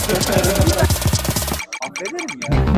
Affederim ya.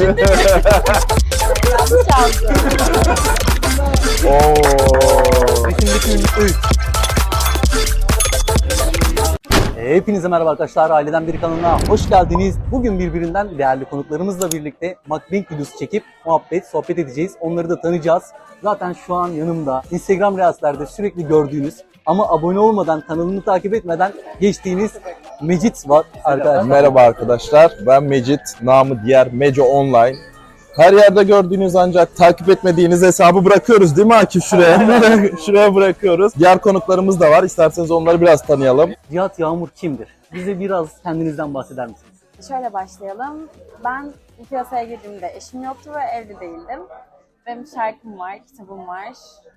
Hepinize merhaba arkadaşlar, Aileden Bir kanalına hoş geldiniz. Bugün birbirinden değerli konuklarımızla birlikte mukbang videosu çekip sohbet edeceğiz. Onları da tanıyacağız. Zaten şu an yanımda Instagram Reels'lerde sürekli gördüğünüz ama abone olmadan, kanalını takip etmeden geçtiğiniz Mecit var arkadaşlar. Merhaba arkadaşlar, ben Mecit, namı diğer Meco Online. Her yerde gördüğünüz ancak takip etmediğiniz hesabı bırakıyoruz değil mi Akif şuraya? Şuraya bırakıyoruz. Diğer konuklarımız da var, isterseniz onları biraz tanıyalım. Cihat Yağmur kimdir? Bize biraz kendinizden bahseder misiniz? Şöyle başlayalım. Ben bu piyasaya girdiğimde eşim yoktu ve evli değildim. Benim şarkım var, kitabım var.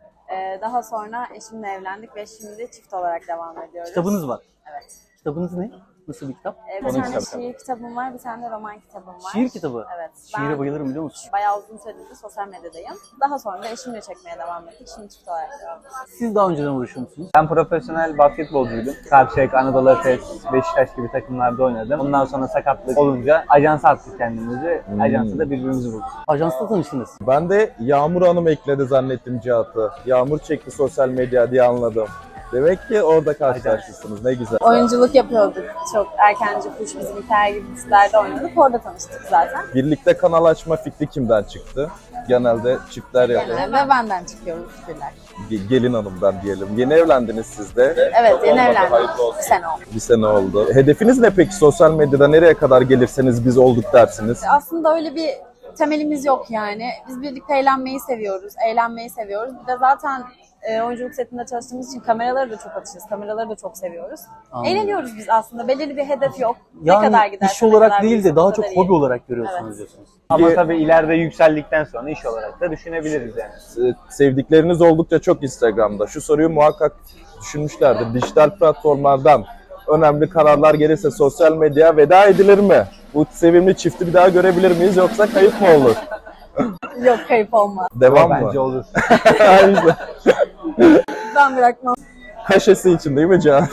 Daha sonra eşimle evlendik ve şimdi çift olarak devam ediyoruz. Kitabınız var. Evet. Kitabınız ne? Nasıl bir kitap? Bir tane şiir kitabım var, bir tane de roman kitabım var. Şiir kitabı? Evet. Şiire bayılırım biliyor musun? Bayağı uzun süredir de sosyal medyadayım. Daha sonra da eşimle çekmeye devam ettik. Şimdi çift olarak devam ediyoruz. Siz daha önceden uğraşıyor musunuz? Ben profesyonel basketbolcuydum. Karşıyaka, Anadolu Efes, Beşiktaş gibi takımlarda oynadım. Ondan sonra sakatlık olunca ajansa attık kendimizi. Ajansa da birbirimizi bulduk. Ajansla tanıştınız. Ben de Yağmur Hanım ekledi zannettim Cihat'ı. Yağmur çekti sosyal medya diye anladım. Demek ki orada karşılaşmışsınız, ne güzel. Oyunculuk yapıyorduk. Çok erkenci kuş, bizim hikaye gibi dizilerde oynadık. Orada tanıştık zaten. Birlikte kanal açma fikri kimden çıktı? Genelde çiftler yapıyor. Ve benden çıkıyoruz fikirler. Gelin hanımdan diyelim. Yeni evlendiniz siz de. Evet, yeni evlendik. Bir sene oldu. Bir sene oldu. Hedefiniz ne peki sosyal medyada? Nereye kadar gelirseniz biz olduk dersiniz? Aslında öyle bir temelimiz yok yani. Biz birlikte eğlenmeyi seviyoruz, eğlenmeyi seviyoruz. Bir de zaten oyunculuk setinde çalıştığımız için kameraları da çok açığız, kameraları da çok seviyoruz. Anladım. Eğleniyoruz biz aslında. Belirli bir hedef yok. Yani ne kadar giderse, iş olarak ne kadar değil de daha o çok kadar hobi iyi. olarak görüyorsunuz Evet. diyorsunuz. Ama tabii ileride yükseldikten sonra iş olarak da düşünebiliriz yani. Sevdikleriniz oldukça çok Instagram'da. Şu soruyu muhakkak düşünmüşlerdir. Dijital platformlardan önemli kararlar gelirse sosyal medyaya veda edilir mi? Bu sevimli çifti bir daha görebilir miyiz yoksa kayıp mı olur? Yok, kayıp olmaz. Devam mı? Bence olur. Aynen. Ben bırakmam. Kaşesi için değil mi Can?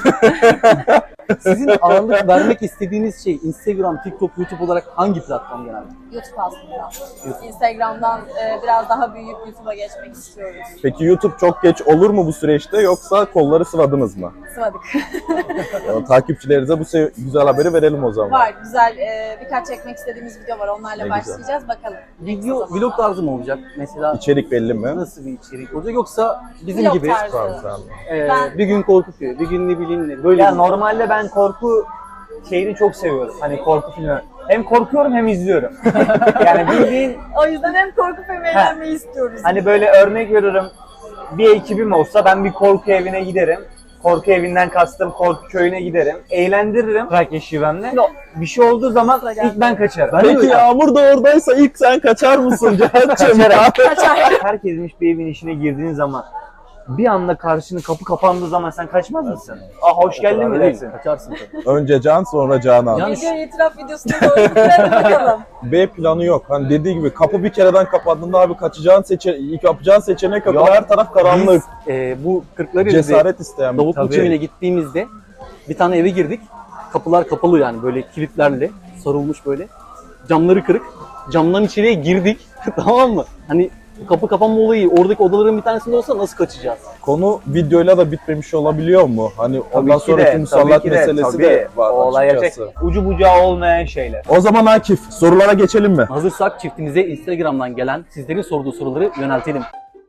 Sizin ağırlık vermek istediğiniz şey Instagram, TikTok, YouTube olarak hangi platform genelde? YouTube aslında. Instagram'dan biraz daha büyüyüp YouTube'a geçmek istiyoruz. Peki YouTube çok geç olur mu bu süreçte yoksa kolları sıvadınız mı? Sıvadık. Yani takipçilerimize bu güzel haberi verelim o zaman. Var, güzel birkaç çekmek istediğimiz video var. Onlarla Ne başlayacağız. Bakalım. Video, vlog tarzı mı olacak? Mesela İçerik belli mi? nasıl bir içerik olacak? Yoksa bizim Vlog gibi tarzı. Tamam, tamam. bir gün korku filmi, bir gün ne bileyim ne böyle Ya bir- normalde ben korku şeyini çok seviyorum. Hani korku filmi. Hem korkuyorum hem izliyorum. Yani bildiğin O yüzden hem korku filmi eğlenmeyi istiyoruz. hani böyle örnek veriyorum. Bir ekibim olsa ben bir korku evine giderim. Korku evinden kastım korku köyüne giderim. Eğlendiririm Trakya şivemle. Bir şey olduğu zaman ilk ben kaçarım. Ben de Peki öyle. Yağmur da oradaysa ilk sen kaçar mısın Cihat'cığım? Herkesin bir evin içine girdiğin zaman bir anda karşını kapı kapandığı zaman sen kaçmaz mısın? Aa hoş geldin mi Öyle değil, dersin? kaçarsın tabii. Önce Can sonra Canan. Yani Video itiraf videosuna doğru gittirelim bakalım. B planı yok. Hani dediği gibi kapı bir kereden kapandığında abi kaçacağın ilk yapacağın seçenek yok. Yok. Her taraf karanlık. Biz bu Kırklareli'de Cesaret isteyen bir Davutlu tabii. Köyü'ne gittiğimizde bir tane eve girdik. Kapılar kapalı yani böyle kilitlerle sarılmış böyle. Camları kırık. Camdan içeriye girdik. Tamam mı? Hani bu kapı kapanma olayı oradaki odaların bir tanesinde olsa nasıl kaçacağız? Konu videoyla da bitmemiş olabiliyor mu? Hani ondan sonraki musallat meselesi de var o olay açıkçası. gerçek. Ucu bucağı olmayan şeyler. O zaman Akif sorulara geçelim mi? Hazırsak çiftimize Instagram'dan gelen sizlerin sorduğu soruları yöneltelim.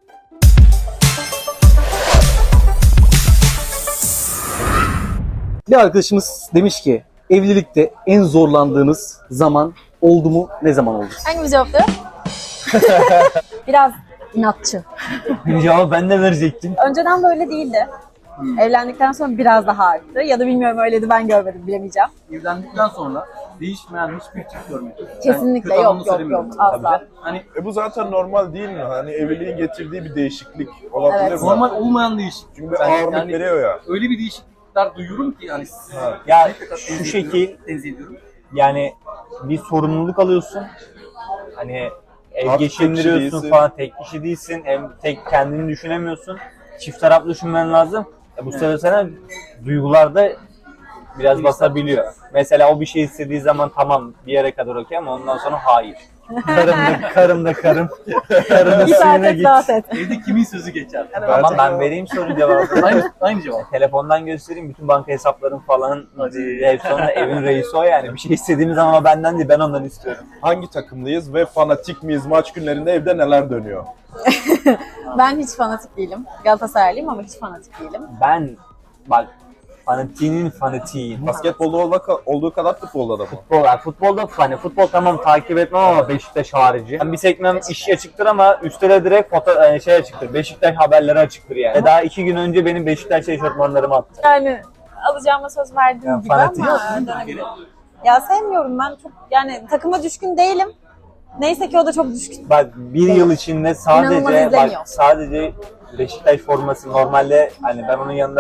Bir arkadaşımız demiş ki evlilikte en zorlandığınız zaman oldu mu? Ne zaman oldu? Hangi bir cevaptı? Biraz inatçı. Cevabı ben de verecektim. Önceden böyle değildi. Evlendikten sonra biraz daha arttı. Ya da bilmiyorum öyleydi, ben görmedim, bilemeyeceğim. Evlendikten sonra değişmeyen hiçbir çift görmedim. Kesinlikle yok asla. Hani Bu zaten normal değil mi? Hani evliliğin getirdiği bir değişiklik Evet. normal olmayan değişiklik. Çünkü bir ağırlık yani veriyor ya. öyle bir değişiklikler duyuyorum ki yani Ya şu şekil tenzih ediyorum. yani bir sorumluluk alıyorsun. Hani ev Artık tek geçindiriyorsun kişi değilsin. falan, tek kişi değilsin. Hem tek kendini düşünemiyorsun. Çift taraflı düşünmen lazım. Bu sefer sana duygularda Biraz basabiliyor. Mesela o bir şey istediği zaman tamam bir yere kadar okey ama ondan sonra hayır. Karım da karım. Karının Git suyuna artık git. rahat et. Evde kimin sözü geçer? Tamam ben vereyim soru cevabını. Aynı cevap. Telefondan göstereyim bütün banka hesaplarım falan. Hep sonra evin reisi o yani. Bir şey istediğim zaman o benden değil ben ondan istiyorum. Hangi takımlıyız ve fanatik miyiz? Maç günlerinde evde neler dönüyor? Ben hiç fanatik değilim. Galatasaraylıyım ama hiç fanatik değilim. Ben bak fanatiğinin fanatiğiyim. Basketbolda olduğu kadar futbolda da mı? Futbolda hani futbol tamam takip etmem ama Beşiktaş harici. Ben bir sekmem işi açıktır ama üstte de direkt şey açıktır. Beşiktaş haberleri açıktır yani. Daha 2 gün önce benim Beşiktaş eşofmanlarımı attı. Yani alacağıma söz verdiğim Ya, gibi fanatik. ama dönebilir. Ya sevmiyorum ben çok yani takıma düşkün değilim. Neyse ki o da çok düşkün. Bak bir yıl içinde İnanılmaz sadece izleniyor. sadece Beşiktaş forması normalde hani ben onun yanında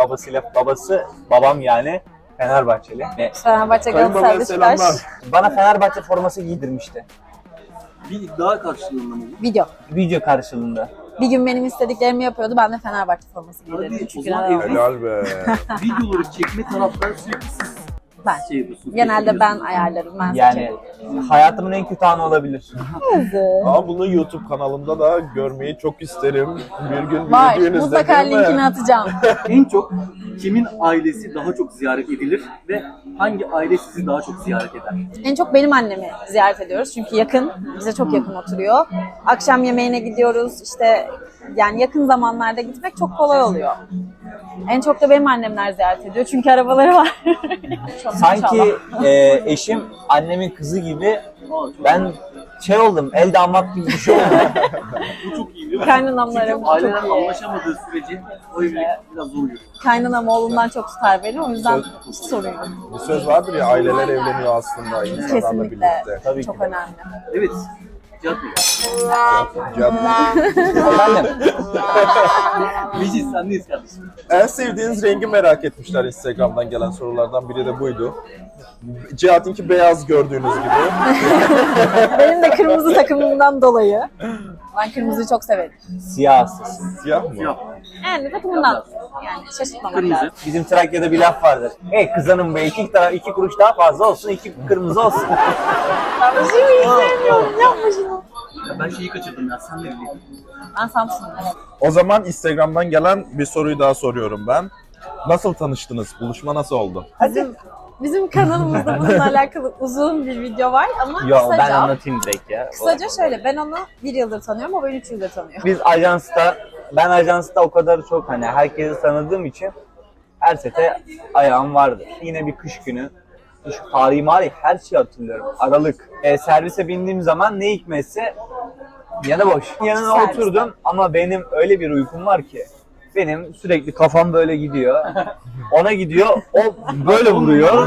babam yani Fenerbahçeli. Fenerbahçe, Galatasaray, Beşiktaş. Bana Fenerbahçe forması giydirmişti. Bir iddia karşılığında mı? Video. Video karşılığında. Bir gün benim istediklerimi yapıyordu. Ben de Fenerbahçe forması giydirdim. Hadi, o Çünkü zaman neden olmasın? Helal be. Videoları çekme tarafları sürekli siz Ben. şey yapıyorsunuz. Genelde ben ayarlarım. Ben Yani hayatımın en kötü anı olabilir. seçerim. Ama bunu YouTube kanalımda da görmeyi çok isterim. Bir gün Var. büyüdüğünüzde Mutlaka değil mi? linkini atacağım. En çok kimin ailesi daha çok ziyaret edilir ve hangi aile sizi daha çok ziyaret eder? En çok benim annemi ziyaret ediyoruz. Çünkü yakın. Bize çok yakın oturuyor. Akşam yemeğine gidiyoruz. İşte yani yakın zamanlarda gitmek çok kolay oluyor. En çok da benim annemler ziyaret ediyor. Çünkü arabaları var. Çok Sanki maşallah. eşim annemin kızı gibi ben şey oldum, el damat gibi bir şey oldu. Bu çok iyi değil mi? Kaynanamlarım Çünkü çok aileler iyi. anlaşamadığı sürece o evlilik biraz zor yürür. Kaynanam oğlundan çok tutar beni. O yüzden hiç sorun yok. Bir söz vardır ya, aileler evleniyor aslında insanlarla Kesinlikle. birlikte. Tabii Çok ki de. önemli. Evet. Cihat Bey. Efendim, Meclis sendeyiz kardeşim. En sevdiğiniz rengi merak etmişler, Instagram'dan gelen sorulardan biri de buydu. Cihat'ınki beyaz gördüğünüz gibi. Benim de kırmızı takımımdan dolayı. Ben kırmızıyı çok severim. siyah hastası. Siyah mı? Siyah. Yani takımından. Yani şaşırtmamak Kırmızı. lazım. Bizim Trakya'da bir laf vardır. Hey kızanım be iki kuruş daha fazla olsun, 2 kırmızı olsun. Ben bu şeyi hiç sevmiyorum. Yapma şunu. Ya ben şeyi kaçırdım ya. Sen de biliyorsun. Ben Samsun'um. O zaman Instagram'dan gelen bir soruyu daha soruyorum ben. Nasıl tanıştınız? Buluşma nasıl oldu? Bizim kanalımızda bununla alakalı uzun bir video var ama Yo ben kısaca, anlatayım direkt ya. kısaca şöyle, ben onu 1 yıldır tanıyorum, o beni 3 yıldır tanıyor. Ben ajansta o kadar çok hani herkesi tanıdığım için her sete ayağım vardı. Yine bir kış günü. Kış tarihi her şeyi hatırlıyorum. Aralık. Servise bindiğim zaman ne hikmetse yanı boş. Yanına Serviste. oturdum ama benim öyle bir uykum var ki. Benim sürekli kafam böyle gidiyor. Ona gidiyor, o böyle vuruyor.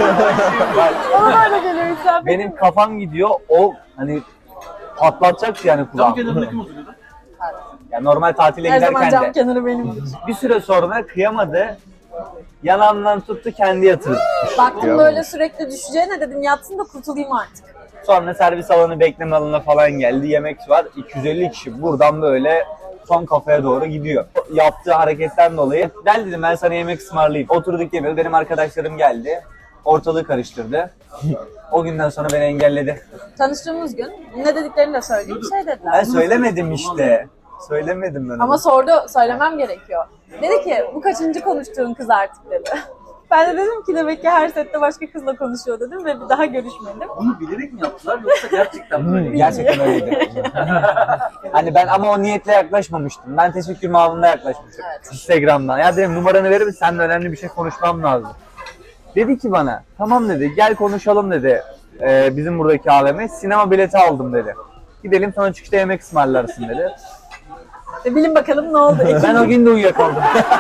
Bana böyle geliyor insan. Benim kafam gidiyor, o hani patlatacak yani Cam kulağım. kenarında kim oturuyordu? Yani normal tatile Her zaman giderken cam de. kenarı benimdir. Bir süre sonra kıyamadı. Yanağımdan tuttu kendi yatırdı. Baktım böyle sürekli düşeceğine dedim yatsın da kurtulayım artık. Sonra servis alanı bekleme alanına falan geldi. Yemek var. 250 kişi buradan böyle son kafaya doğru gidiyor. Yaptığı hareketten dolayı gel dedim ben sana yemek ısmarlayayım. Oturduk yemeğe. Benim arkadaşlarım geldi. Ortalığı karıştırdı. O günden sonra beni engelledi. Tanıştığımız gün ne dediklerini de söyleyeyim, şey dediler. Ben söylemedim işte. Söylemedim ben onu. Ama sordu, söylemem gerekiyor. Dedi ki bu kaçıncı konuştuğun kız artık dedi. Ben de dedim ki demek ki her sette başka kızla konuşuyor dedim ve bir daha görüşmedim. Bunu bilerek mi yaptılar yoksa gerçekten böyle mi? Gerçekten öyleydi. Hani ben ama o niyetle yaklaşmamıştım. Ben teşekkür mavında yaklaşmıştım. Evet. Instagram'dan. Ya dedim numaranı verir misin? Seninle önemli bir şey konuşmam lazım. Dedi ki bana tamam dedi gel konuşalım dedi. Bizim buradaki AVM sinema bileti aldım dedi. Gidelim sonra çıkışta yemek ısmarlarsın dedi. Bilin bakalım ne oldu. Ben o gün de uyuyakaldım.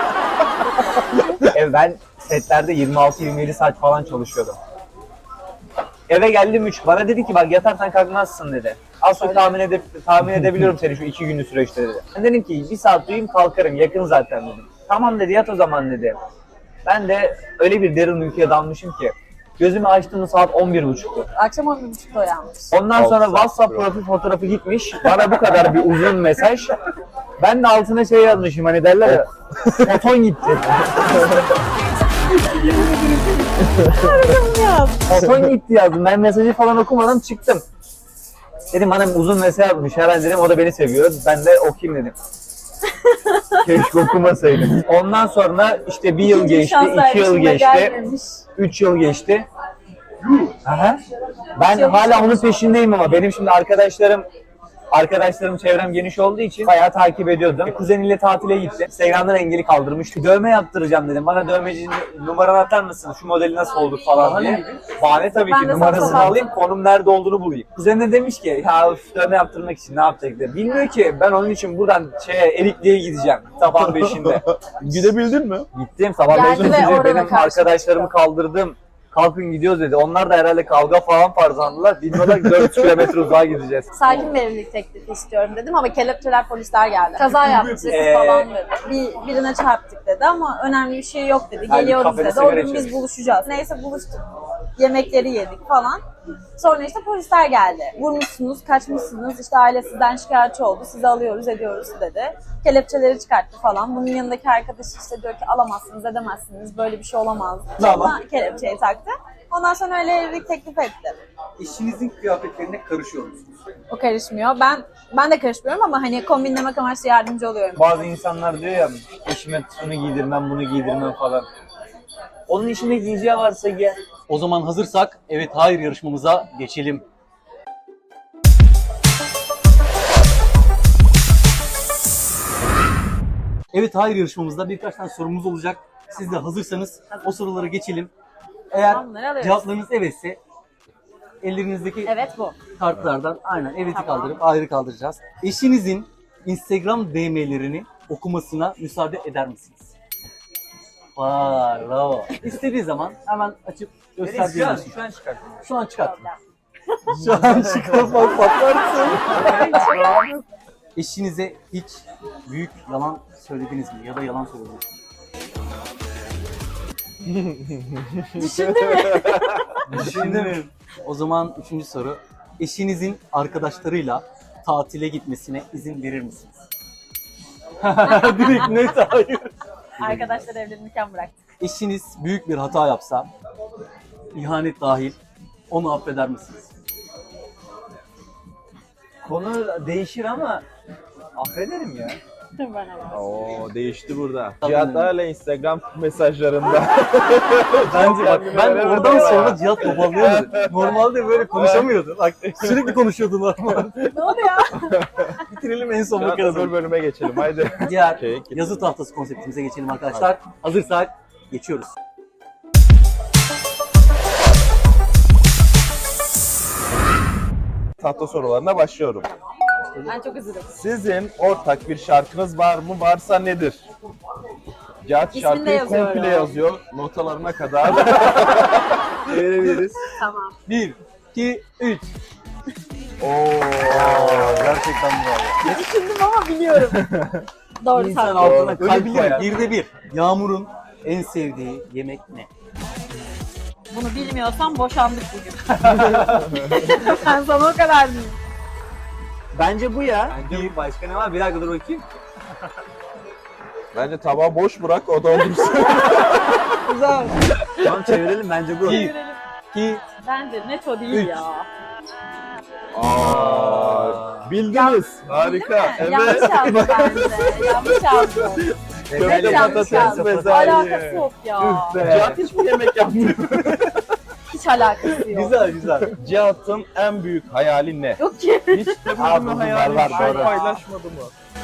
Ben setlerde 26-27 saat falan çalışıyordum. Eve geldim 3. Bana dedi ki bak yatarsan kalkmazsın dedi. Az çok tahmin edebiliyorum seni şu 2 günlük süreçte dedi. Ben dedim ki 1 saat uyuyayım kalkarım yakın zaten dedim. Tamam dedi yat o zaman dedi. Ben de öyle bir derin uykuya dalmışım ki. Gözümü açtığım saat 11.30'tu. Akşam 11.30'da uyanmış. Ondan sonra Altı saat WhatsApp sürüyor. profil fotoğrafı gitmiş. Bana bu kadar bir uzun mesaj. Ben de altına şey yazmışım hani derler ya. Foton gitti. Oton gitti yazdım. Ben mesajı falan okumadan çıktım. Dedim bana uzun mesaj atmış herhalde dedim. O da beni seviyor. Ben de okuyayım dedim. Keşke okumasaydım. Ondan sonra işte bir yıl İkinci geçti, şans 2 yıl vermişim de geçti, gelmemiş. 3 yıl geçti. Aha. Ben hala onun peşindeyim ama benim şimdi arkadaşlarım çevrem geniş olduğu için bayağı takip ediyordum. Kuzeniyle tatile gitti. Instagram'dan engeli kaldırmıştı. Dövme yaptıracağım dedim. Bana dövmeci numaranı atar mısın? Şu modeli nasıl olur falan diye. Bahane tabii Ben ki de numarasını sana alayım, konum nerede olduğunu bulayım. Kuzen de demiş ki ya üf, dövme yaptırmak için ne yapacak diye. Bilmiyor ki ben onun için buradan Erikli'ye gideceğim sabah 5'inde. Gidebildin mi? Gittim sabah Geldi 5'inde ve orada benim karşıma arkadaşlarımı kaldırdım. Kalkın gidiyoruz dedi. Onlar da herhalde kavga falan farzandılar. Bilmiyorlar ki 4 kilometre uzağa gideceğiz. Sakin bir evlilik teklifi istiyorum dedim ama kelepçeler polisler geldi. Kaza yaptık falan dedi. Birine çarptık dedi ama önemli bir şey yok dedi. Yani Geliyoruz kafede dedi. O sigara gün biz içiyoruz. buluşacağız. Neyse buluştuk. Yemekleri yedik falan. Sonra işte polisler geldi. Vurmuşsunuz, kaçmışsınız, işte aile sizden şikayetçi oldu, sizi alıyoruz, ediyoruz dedi. Kelepçeleri çıkarttı falan. Bunun yanındaki arkadaş işte diyor ki alamazsınız, edemezsiniz, böyle bir şey olamaz. Ama kelepçeyi taktı. Ondan sonra öyle evlilik teklif etti. Eşinizin kıyafetlerine karışıyor musunuz? O karışmıyor. Ben de karışmıyorum ama hani kombinlemek amaçlı yardımcı oluyorum. Bazı insanlar diyor ya eşime şunu giydirmem, bunu giydirmem falan. Onun içinde giyeceği varsa giy. O zaman hazırsak evet hayır yarışmamıza geçelim. Evet hayır yarışmamızda birkaç tane sorumuz olacak. Siz de hazırsanız o sorulara geçelim. Eğer Tamam, bunları alıyoruz. cevaplarınız evetse ellerinizdeki Evet bu. kartlardan aynen evet'i Tamam. kaldırıp ayrı kaldıracağız. Eşinizin Instagram DM'lerini okumasına müsaade eder misiniz? Vay bravo. İstediği zaman hemen açıp gösterdiğiniz. Şu an çıkarttım. Şu an çıkarttım. Şu an çıkartmak patlarsın. Eşinize hiç büyük yalan söylediniz mi? Ya da yalan söylediniz mi? Düşündüm. O zaman 3. soru. Eşinizin arkadaşlarıyla tatile gitmesine izin verir misiniz? Direkt net hayır. Arkadaşlar evlenirken bıraktık. Eşiniz büyük bir hata yapsa, ihanet dahil, onu affeder misiniz? Konu değişir ama affederim ya. Ben ama. Oo değişti burada. Tabii. Cihat hala Instagram mesajlarında. Bence bak ben Öyle oradan mi? sonra Cihat toparlayamadı. Normalde böyle konuşamıyordu. Bak sürekli konuşuyordu normal. Ne oldu ya? Bitirelim en son Cihat bakarız. öbür bölüme geçelim haydi. Diğer Okey, yazı tahtası konseptimize geçelim arkadaşlar. Hazırsak geçiyoruz. Tahta sorularına başlıyorum. Ben çok üzüldüm. Sizin ortak bir şarkınız var mı? Varsa nedir? Cihat İsmini de şarkıyı yazıyorum. komple yazıyor. Notalarına kadar. Verebiliriz. Tamam. 1, 2, 3. Oo. Gerçekten bravo. Düşündüm ama biliyorum. Doğru İnsan tahmin. altına Öyle kalp bir koyar. koyar. 1'de 1. Yağmur'un en sevdiği yemek ne? Bunu bilmiyorsam boşandık bugün. Ben sana o kadar diyeyim. Bence bu ya. Bir başka ne var? Bir dakika dur bakayım. Bence tabağı boş bırak o doldursun. Güzel. Tamam çevirelim bence bu. 1, 2, Bence net o değil Üç. ya. Aa, bildiniz. Harika. Değil mi? Yanlış yazdı bence. Yanlış yazdı. Köfte Net yanlış patates yazdı. bezelye. Alakası yok ya. Cihat hiç mi yemek yapmıyor? Hiç alakası yok. güzel güzel. Cihat'ın en büyük hayali ne? Yok ki. Hiç de Aa, bunu bu hayali var, bir şey doğru. paylaşmadı mı?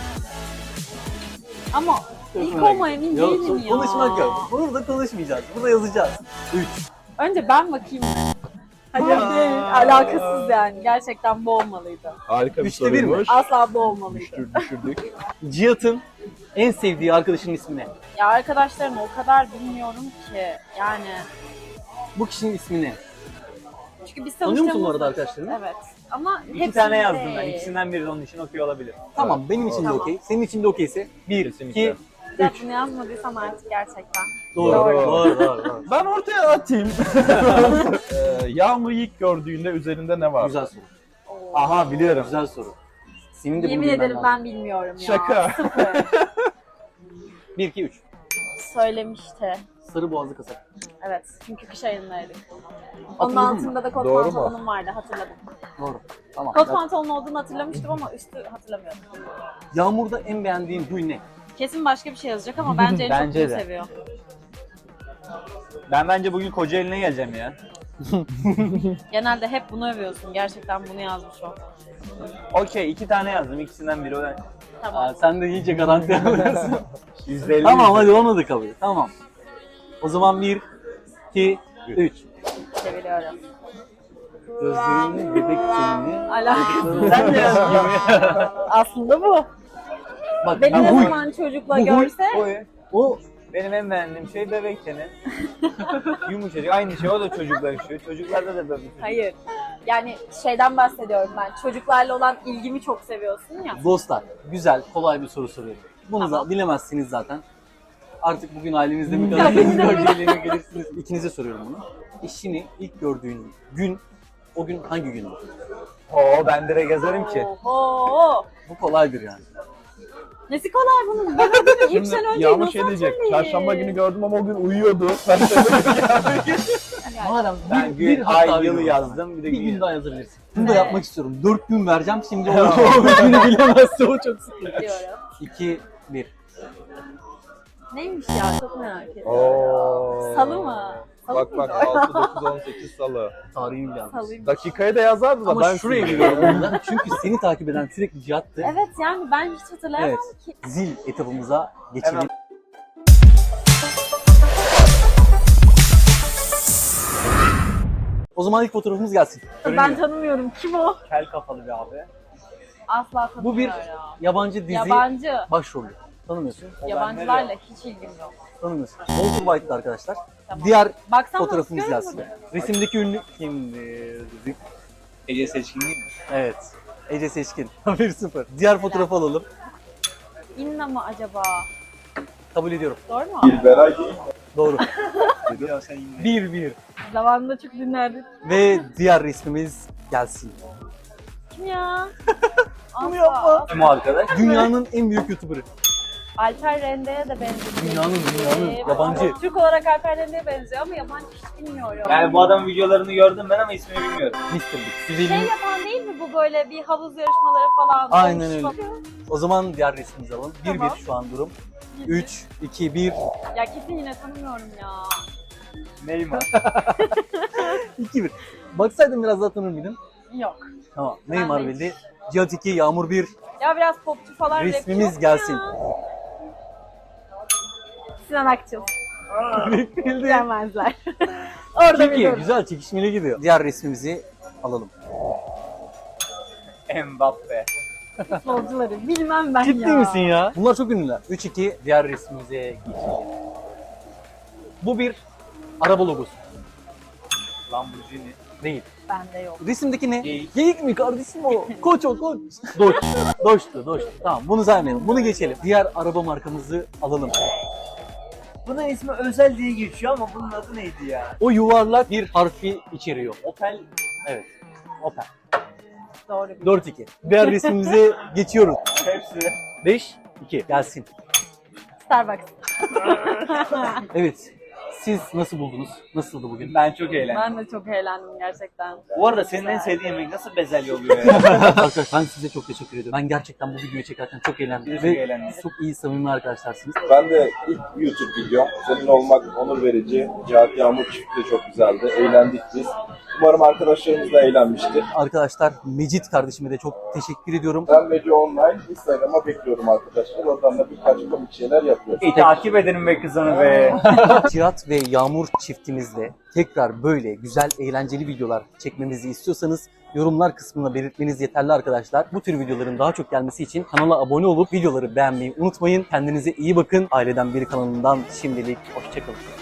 Ama ilk olma emin Yok, değilim ya. konuşmak yok. Burada konuşmayacağız. Burada yazacağız. 3. Önce ben bakayım. Hayır değil. Alakasız yani. Gerçekten bu olmalıydı. Harika bir 3'te 1 mi? soruymuş. Asla bu olmalıydı. Düşürdük. Cihat'ın en sevdiği arkadaşının ismi ne? Ya arkadaşlarımı o kadar bilmiyorum ki. Yani Bu kişinin ismi ne? çünkü biz Tanıyor musun bu tanıştığımız- arada arkadaşlarını? Evet. Ama İki hepsini tane yazdım ben. değil. İkisinden biri de onun için okuyor olabilir. Tamam benim için de Tamam. okey. Senin için de okeyse 1, Kesinlikle. 2, Ya 3. bunu yazmadıysam artık gerçekten. Doğru. Doğru. Doğru. Ben ortaya atayım. Yağmur'u ilk gördüğünde üzerinde ne var? Güzel soru. Oo. Aha biliyorum. Güzel soru. Senin de Yemin bunu bilmen ederim lazım. ben bilmiyorum ya. Şaka. Sıfır. 1, 2, 3. Söylemişti. sarı boğazlı kasa. Evet, çünkü kış ayındaydık. Onun Hatırladın mı? altında da kot Doğru mu? pantolonum vardı, hatırladım. Doğru. Tamam. Kot pantolon olduğunu hatırlamıştım ama üstü hatırlamıyordum. Yağmurda en beğendiğin huy ne? Kesin başka bir şey yazacak ama bence en çok Bence bunu de. seviyor. Ben bence bugün Kocaeli'ne geleceğim ya. Genelde hep bunu övüyorsun. Gerçekten bunu yazmış o. Okey 2 tane yazdım. İkisinden biri o. Tamam. Aa, sen de iyice garanti alıyorsun. %50. Tamam hadi onu da kabul et. Tamam. O zaman 1, 2, 3. Çeviriyorum. Gözlerini, bebek tenini. Alakası. Sen de yazdın. Aslında bu. Bak Beni ben ne huy. zaman çocukla bu huy- görse O Benim en beğendiğim şey bebek teni. Yumuşacık. Aynı şey o da çocuklar yaşıyor. Çocuklarda da böyle. hayır. Yani şeyden bahsediyorum ben. Çocuklarla olan ilgimi çok seviyorsun ya. dostlar, güzel, kolay bir soru soruyorum. Bunu Tamam. da bilemezsiniz zaten. Artık bugün ailenizde mi Ya, kalırsınız, beni de bölgeyle mi gelirsiniz? İkinize soruyorum bunu. Eşini ilk gördüğün gün, o gün hangi gündü? Oo ben direkt yazarım ki. Oho. Bu kolaydır yani. Nesi kolay bunun? Ben o günü 3 sene önce Yağmur nasıl şey diyecek. hatırlayayım? Çarşamba günü gördüm ama o gün uyuyordu. Yani Madem Ben bir gün, hatta ay, bir yılı gün. yazdım. Bir de Bir gün gün yazdım. daha yazabilirsin. Bunu da Ne? yapmak istiyorum. 4 gün vereceğim şimdi o günü bilemezse o çok sıkıntı. diyorum. 2, 1. Neymiş ya? Çok merak ediyorum. Oo. Salı mı? Salı Bak bak mıydı? 6, 9, 18 salı. Tarihi bile yazmış. Salıymış. Dakikayı da yazardı da Ama ben şuraya sildim. geliyorum burada. Çünkü seni takip eden sürekli Cihat'tı. Evet yani ben hiç hatırlayamam Evet. ki. Zil etabımıza geçelim. Hemen. O zaman ilk fotoğrafımız gelsin. Ben tanımıyorum. Kim o? Kel kafalı bir abi. Asla Bu bir tanımıyorum. yabancı dizi Yabancı. başrolü. Tanımıyorsun. Yabancılarla hiç ilgim yok. Tanımıyorsun. Walter White'dı arkadaşlar. Tamam. Diğer Baksam fotoğrafımız nasıl gelsin. görünür? Resimdeki ünlü kimdir? Ece Seçkin değil mi? Evet. Ece Seçkin. 1-0. Diğer fotoğrafı alalım. İnna mı acaba? Kabul ediyorum. Doğru mu? Doğru. Ya sen yine. 1-1. Zamanında çok dinlerdik. Ve diğer resmimiz gelsin. Kim ya? Bunu yapma. Kim o arkadaş? Dünyanın en büyük YouTuber'ı. Alper Rende'ye de benziyor. Dünyanın yabancı. Ama Türk olarak Alper Rende'ye benziyor ama yabancı hiç bilmiyorum. Yani bu adamın videolarını gördüm ben ama ismini bilmiyorum. Mr. Big. Şey Güzelin. yapan değil mi bu böyle bir havuz yarışmaları falan? Aynen dövüş öyle. falan? O zaman diğer resmimizi alalım. 1-1 Tamam. şu an durum. 3, 2, 1. Ya kesin yine tanımıyorum ya. Neymar. 2-1. Baksaydım biraz daha tanır mıydın? Yok. Tamam. Neymar de bildi. Cihat 2, Yağmur 1. Ya biraz popçu falan rapçi Resmimiz yok mu gelsin. ya? Sinan Akçıl. Bildi. Bilemezler. Orada 2-2. biliyorum. Güzel çekişmeli gidiyor. Diğer resmimizi alalım. Mbappe. Futbolcuları bilmem ben Ciddi ya. misin ya? Bunlar çok ünlüler. 3-2. Diğer resmimize geçelim. Bu bir araba logosu. Lamborghini. Değil. Bende yok. Resimdeki ne? Geyik. Geyik mi kardeşim o? Koç o koç. Doç. Doçtu. Tamam bunu saymayalım. Bunu geçelim. Diğer araba markamızı alalım. Bunun ismi Özel diye geçiyor ama bunun adı neydi ya? O yuvarlak bir harfi içeriyor. Opel. Evet. Opel. Doğru biliyorum. 4-2. Diğer resmimize geçiyoruz. Hepsi. 5-2. Gelsin. Starbucks. Evet. Siz nasıl buldunuz? Nasıldı bugün? Ben çok eğlendim. Ben de çok eğlendim gerçekten. Bu arada senin en sevdiğin yemek nasıl bezelye oluyor ya? Arkadaşlar ben size çok teşekkür ediyorum. Ben gerçekten bu videoyu çekerken çok eğlendim. Çok Ve eğlendim. çok iyi samimi arkadaşlarsınız. Ben de ilk YouTube videom. Senin olmak onur verici. Cihat Yağmur çifti de çok güzeldi. Eğlendik biz. Umarım arkadaşlarımız da eğlenmiştir. Arkadaşlar Mecit kardeşime de çok teşekkür ediyorum. Ben Mece Online Instagram'a bekliyorum arkadaşlar. Oradan da birkaç komik şeyler yapıyoruz. Takip edelim be kızını be. Cihat ve Yağmur çiftimizle tekrar böyle güzel eğlenceli videolar çekmemizi istiyorsanız yorumlar kısmına belirtmeniz yeterli arkadaşlar. Bu tür videoların daha çok gelmesi için kanala abone olup videoları beğenmeyi unutmayın. Kendinize iyi bakın. Aileden Biri kanalından şimdilik hoşçakalın.